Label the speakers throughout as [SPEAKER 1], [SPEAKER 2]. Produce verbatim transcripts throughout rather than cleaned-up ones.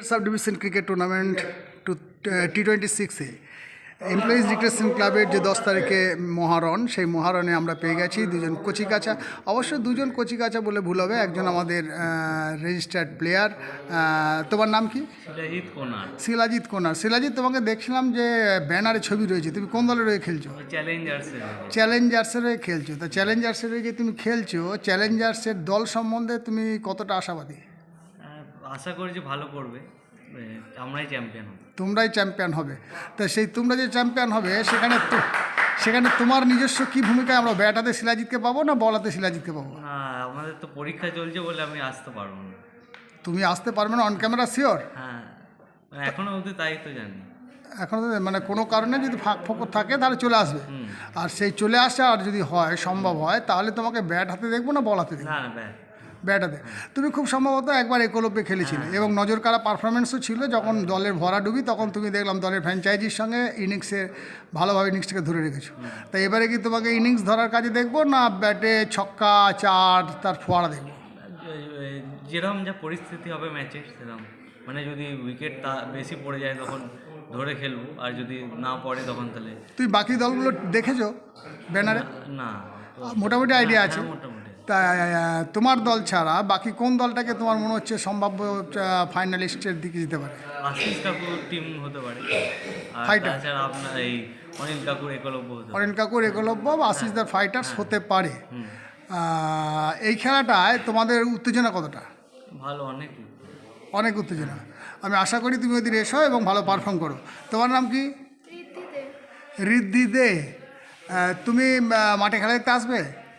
[SPEAKER 1] Sub division cricket tournament two T twenty সিক্সে employees recreation ক্লাবের যে দশ তারিখে মহারণ, সেই মহারণে আমরা পেয়ে গেছি দুজন কচিকাচা। অবশ্য দুজন কচিকাচা বলে ভুল হবে, একজন আমাদের রেজিস্টার্ড প্লেয়ার। তোমার নাম কি?
[SPEAKER 2] শিলাজিৎ কোনার।
[SPEAKER 1] শিলাজিৎ কোনার। শিলাজিৎ, তোমাকে দেখছিলাম যে ব্যানারে ছবি রয়েছে, তুমি কোন দলের হয়ে খেলছো?
[SPEAKER 2] চ্যালেঞ্জার্সের।
[SPEAKER 1] চ্যালেঞ্জার্সের হয়ে খেলছো। তা চ্যালেঞ্জার্সের হয়ে যে তুমি খেলছো, চ্যালেঞ্জার্সের দল সম্বন্ধে তুমি কতটা আশাবাদী?
[SPEAKER 2] আশা করি যে ভালো করবে, আমরাই চ্যাম্পিয়ন হব।
[SPEAKER 1] তোমরাই চ্যাম্পিয়ন হবে। তা সেই তোমরা যে চ্যাম্পিয়ন হবে সেখানে তো সেখানে তোমার নিজস্ব কী ভূমিকায় আমরা ব্যাট হাতে শিলাজিৎকে পাবো না বল হাতে শিলাজিৎকে পাবো?
[SPEAKER 2] না, আমাদের তো পরীক্ষা চলছে বলে আমি আসতে পারবো না।
[SPEAKER 1] তুমি আসতে পারবে না অন ক্যামেরা শিওর?
[SPEAKER 2] হ্যাঁ, এখনও অবধি তাই তো জানি।
[SPEAKER 1] এখন মানে কোনো কারণে যদি ফাঁক ফোকর থাকে তাহলে চলে আসবে, আর সেই চলে আসা আর যদি হয় সম্ভব হয় তাহলে তোমাকে ব্যাট হাতে দেখবো না বল হাতে দেখবো?
[SPEAKER 2] না না, ব্যাট
[SPEAKER 1] ব্যাট হাতে। তুমি খুব সম্ভবত একবার একলব্যে খেলেছিলে এবং নজর কাড়া পারফরমেন্সও ছিল। যখন দলের ভরাডুবি তখন তুমি দেখলাম দলের ফ্র্যাঞ্চাইজির সঙ্গে ইনিংসে ভালোভাবে ইনিংসটাকে ধরে রেখেছো। তাই এবারে কি তোমাকে ইনিংস ধরার কাজে দেখবো না ব্যাটে ছক্কা চার তার ফোয়ারা দেখবো?
[SPEAKER 2] যেরকম যা পরিস্থিতি হবে ম্যাচের সেরকম, মানে যদি উইকেট তা বেশি পড়ে যায় তখন ধরে খেলবো, আর যদি না পড়ে তখন তাহলে।
[SPEAKER 1] তুই বাকি দলগুলো দেখেছো ব্যানারে?
[SPEAKER 2] না,
[SPEAKER 1] মোটামুটি আইডিয়া আছে।
[SPEAKER 2] মোটামুটি।
[SPEAKER 1] তা তোমার দল ছাড়া বাকি কোন দলটাকে তোমার মনে হচ্ছে সম্ভাব্য ফাইনালিস্টের দিকে যেতে পারে?
[SPEAKER 2] আশিস কাকুর টিম হতে পারে, আর
[SPEAKER 1] ফাইটার।
[SPEAKER 2] তাছাড়া আপনার এই অনিল কাকুর একলব্য হতে পারে।
[SPEAKER 1] অনিল কাকুর একলব্য বা আশিসদার ফাইটার্স হতে পারে। এই খেলাটায় তোমাদের উত্তেজনা কতটা?
[SPEAKER 2] ভালো, অনেক
[SPEAKER 1] অনেক উত্তেজনা। আমি আশা করি তুমি ওই দিন এসো এবং ভালো পারফর্ম করো। তোমার নাম কি? ঋদ্ধি দে। তুমি মাঠে খেলা দেখতে আসবে?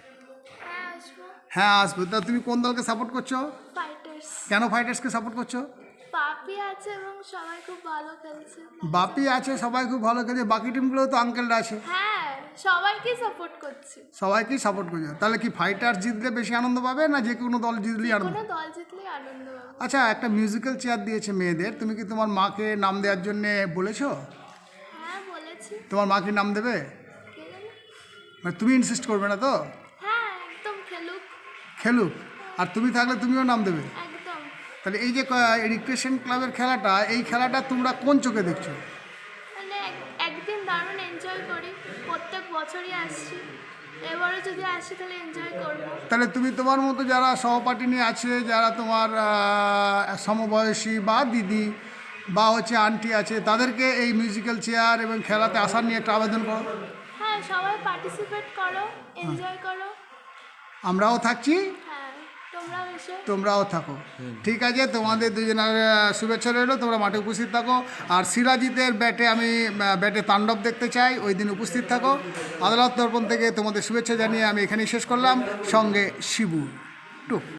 [SPEAKER 1] হ্যাঁ আসবে। তা তুমি কোন দলকে সাপোর্ট করছো?
[SPEAKER 3] ফাইটার্স।
[SPEAKER 1] কেন ফাইটার্সকে সাপোর্ট করছো?
[SPEAKER 3] বাপি আছে এবং সবাই খুব ভালো খেলছে।
[SPEAKER 1] বাপি আছে, সবাই খুব ভালো খেলছে। বাকি টিমগুলো তো আঙ্কেলরা আছে।
[SPEAKER 3] হ্যাঁ, সবাইকে সাপোর্ট করছি।
[SPEAKER 1] সবাইকেই সাপোর্ট করছো। তাহলে কি ফাইটার্স জিতলে বেশি আনন্দ পাবে না যে কোনো দল জিতলেই আনন্দ?
[SPEAKER 3] কোনো দল জিতলেই আনন্দ পাবে।
[SPEAKER 1] আচ্ছা, একটা মিউজিক্যাল চেয়ার দিয়েছে মেয়েদের, তুমি কি তোমার মাকে নাম দেওয়ার জন্য বলেছো?
[SPEAKER 3] হ্যাঁ বলেছি।
[SPEAKER 1] তোমার মা কি নাম দেবে?
[SPEAKER 3] কে জানে?
[SPEAKER 1] মানে তুমি ইনসিস্ট করবে না তো?
[SPEAKER 3] হ্যাঁ, একদম খেলুক।
[SPEAKER 1] খেলুক, আর তুমি থাকলে তুমিও নাম দেবে।
[SPEAKER 3] একদম।
[SPEAKER 1] তাহলে এই যে রিক্রেশন ক্লাবের খেলাটা, এই খেলাটা তোমরা কোন চোখে দেখছো?
[SPEAKER 3] মানে এক- একদিন দারুণ এনজয় করি, প্রত্যেক বছরই আসছি, এবারও যদি আসি তাহলে এনজয় করবো।
[SPEAKER 1] তাহলে তুমি তোমার মতো যারা সহপাঠিনী আছে, যারা তোমার আহ, সমবয়সী বা দিদি বা হচ্ছে আন্টি আছে, তাদেরকে এই মিউজিক্যাল চেয়ার এবং খেলাতে আসার নিয়ে একটা আবেদন করো।
[SPEAKER 3] হ্যাঁ, সবাই পার্টিসিপেট করো, এনজয় করো।
[SPEAKER 1] আমরাও থাকছি,
[SPEAKER 3] হ্যাঁ, তোমরাও এসো।
[SPEAKER 1] তোমরাও থাকো। ঠিক আছে, তোমাদের দুজনের আহ, শুভেচ্ছা রইলো। তোমরা মাঠে উপস্থিত থাকো। আর শিলাজিতের ব্যাটে আমি আহ, ব্যাটে তাণ্ডব দেখতে চাই, ওই দিন উপস্থিত থাকো। আদালত দর্পণ থেকে তোমাদের শুভেচ্ছা জানিয়ে আমি এখানেই শেষ করলাম। সঙ্গে শিবু টুক।